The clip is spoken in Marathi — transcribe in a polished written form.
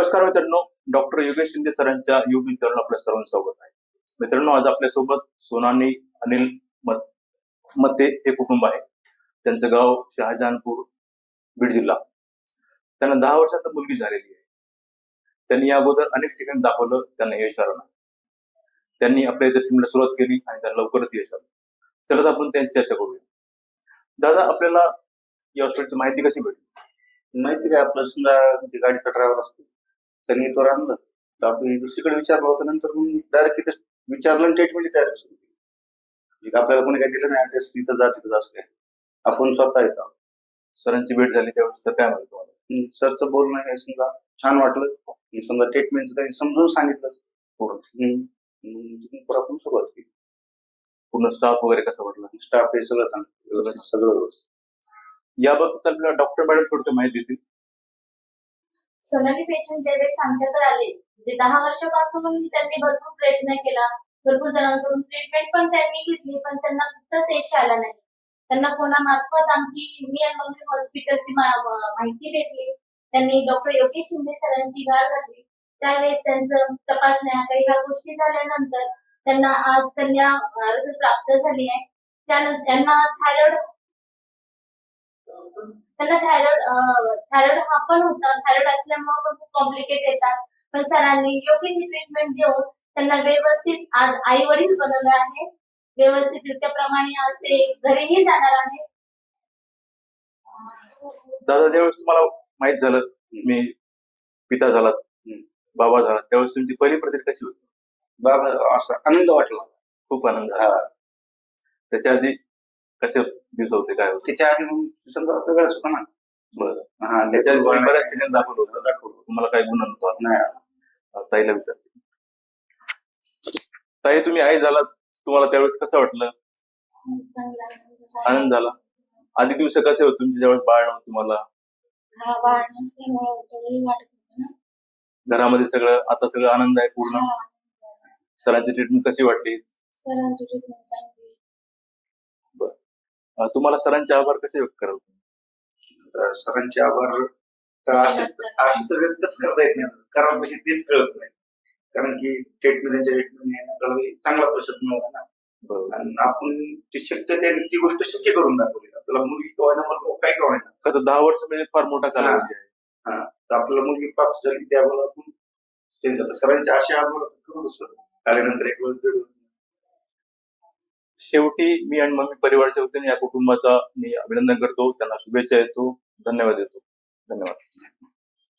नमस्कार मित्रांनो, डॉक्टर योगेश शिंदे सरांच्या युट्यूब चॅनल आपल्या सर्वांचं स्वागत आहे. मित्रांनो, आज आपल्यासोबत सोनानी अनिल मते हे कुटुंब आहे. त्यांचं गाव शहाजहानपूर, बीड जिल्हा. त्यांना 10 वर्षात मुलगी झालेली आहे. त्यांनी या अगोदर अनेक ठिकाणी दाखवलं, त्यांना यश आलं नाही. त्यांनी आपल्या इथे ट्रीटमेंटला सुरुवात केली आणि त्यांना लवकरच यश आलं. चला आपण त्यांची चर्चा करूया. दादा, आपल्याला या हॉस्पिटलची माहिती कशी भेटली? माहिती काय, आपलं समजा गाडीचा ड्रायव्हर असतो, त्यांनी तो आणलं तर आपण दुसरीकडे विचारलं होतं. नंतर मग डायरेक्ट तिथे विचारलं आणि ट्रीटमेंट डायरेक्ट सुरू केली. आपल्याला कोणी काय दिलं नाही ऍड्रेस, तिथं जा तिथं असं काय, आपण स्वतः येतो. सरांची भेट झाली त्यावेळेस सर काय म्हणतो तुम्हाला? सरचं बोलणं हे समजा छान वाटलं. समजा ट्रीटमेंटचं त्यांनी समजून सांगितलं पूर्ण. पुढे आपण सुरुवात केली. पूर्ण स्टाफ वगैरे कसं वाटलं? स्टाफ हे सगळं चांगलं, सगळं व्यवस्थित. याबाबत आपल्याला डॉक्टर मॅडम थोडक्यात माहिती देतील. सोनाली पेशंट ज्यावेळेस आमच्याकडे आले, म्हणजे 10 वर्षापासून त्यांनी भरपूर प्रयत्न केला, भरपूर जणांकडून ट्रीटमेंट पण त्यांनी घेतली, पण त्यांना कुठंच यश आलं नाही. त्यांना कोणामार्फत आमची मी आणि मम्मी हॉस्पिटलची माहिती भेटली. त्यांनी डॉक्टर योगेश शिंदे सरांची गाठ घातली. त्यावेळेस त्यांचं तपासण्या काही ह्या गोष्टी झाल्यानंतर त्यांना आज कन्या प्राप्त झाली आहे. त्यानंतर त्यांना थायरॉइड हा पण होता. थायरॉइड असल्यामुळे पण खूप कॉम्प्लिकेट येतात. पण सरांनी योग्य ती ट्रीटमेंट देऊन त्यांना व्यवस्थित आज आई वडील बनवलं आहे. व्यवस्थित त्याप्रमाणे आज ते घरीही जाणार आहे. दादा, ज्यावेळेस तुम्हाला माहित झालं मी पिता झालात, बाबा झाला, त्यावेळेस तुमची पहिली प्रतिक्रिया कशी होती? बाबा असा आनंद वाटला, खूप आनंद झाला. त्याच्या आधी कसे दिवस होते, काय होते? त्याच्या आधी मग समजा वेगळाच होता ना. बरं. त्याच्या आधी तुम्ही बऱ्याच ठिकाणी दाखवलं होतं. तुम्हाला काय गुन्हा नव्हता? नाही. ताईला विचारायचं. ताई, तुम्ही आई झालात, तुम्हाला त्यावेळेस कसं वाटलं? आनंद झाला. आधी दिवस कसे होते तुमच्या ज्यावेळेस बाळ नव्हतं तुम्हाला? बाळ नसल्यामुळे थोडंही वाटत होतं ना. घरामध्ये सगळं आता सगळं आनंद आहे पूर्ण. सरांची ट्रीटमेंट कशी वाटली? सरांची ट्रीटमेंट चांगली. तुम्हाला सरांचे आभार कसे व्यक्त कराल? सरांचे आभार अशी तर व्यक्तच करता येत नाही, कारण कशी तेच कळत नाही. कारण की ट्रीटमेंट आपल्याला चांगला प्रतिसाद मिळाला ना. आणि आपण ती शक्य ती गोष्ट शक्य करून दाखवली. आपल्याला मुलगी काय कळवायला 10 वर्ष म्हणजे फार मोठा कालावधी आहे. तर आपल्याला मुलगी प्राप्त झाली, त्यावेळेला आपण सरांचे असे आभार करू आल्यानंतर एक वेळ. शेवटी मी आणि मम्मी परिवाराच्या वतीने या कुटुंबाचा मी अभिनंदन करतो, त्यांना शुभेच्छा देतो, धन्यवाद देतो. धन्यवाद.